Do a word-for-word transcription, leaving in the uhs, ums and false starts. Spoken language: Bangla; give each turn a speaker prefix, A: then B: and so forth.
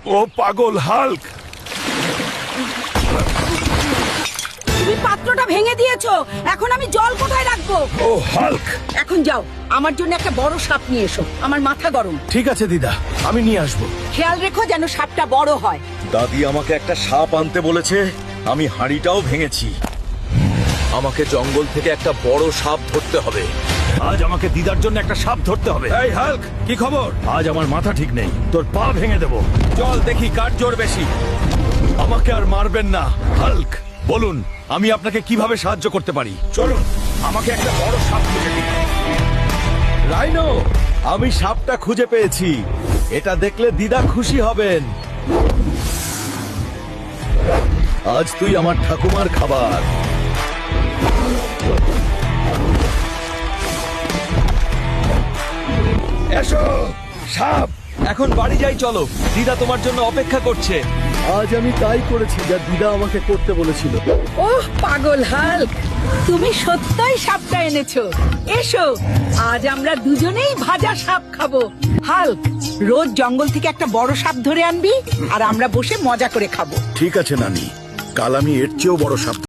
A: ও পাগল হাল্ক।
B: তুমি পাত্রটা ভেঙে দিয়েছো, এখন আমি জল কোথায় রাখবো?
A: ও হাল্ক।
B: এখন যাও, আমার জন্য একটা বড় সাপ নিয়ে এসো, আমার মাথা গরম।
A: ঠিক আছে দিদা, আমি নিয়ে আসবো।
B: খেয়াল রেখো যেন সাপটা বড় হয়।
C: দাদি আমাকে একটা সাপ আনতে বলেছে, আমি হাঁড়িটাও ভেঙেছি। আমাকে জঙ্গল থেকে একটা বড় সাপ ধরতে হবে।
A: আজ আমাকে দিদার জন্য একটা সাপ ধরতে হবে। এই হাল্ক, কি খবর? আজ আমার মাথা ঠিক নেই, তোর পা ভেঙে দেবো। চল দেখি কার জোর বেশি। আমাকে আর মারবেন না হাল্ক, বলুন আমি আপনাকে কিভাবে সাহায্য করতে পারি। চলুন, আমাকে একটা বড় সাপ খুঁজে দিন। রাইনো, আমি সাপটা খুঁজে পেয়েছি। এটা দেখলে দিদা খুশি হবেন। আজ তুই আমার ঠাকুমার খাবার। এসো সাপ, এখন বাড়ি যাই চলো, দিদা তোমার জন্য অপেক্ষা করছে। আজ আমি তাই করেছি যা দিদা আমাকে করতে বলেছিল।
B: ওহ পাগল হাল্ক, তুমি সত্যই সাপটা এনেছো। এসো, আজ আমরা দুজনেই ভাজা সাপ খাবো। হাল্ক, রোজ জঙ্গল থেকে একটা বড় সাপ ধরে আনবি আর আমরা বসে মজা করে খাবো।
A: ঠিক আছে নানি, কাল আমি এর চেয়েও বড় সাপ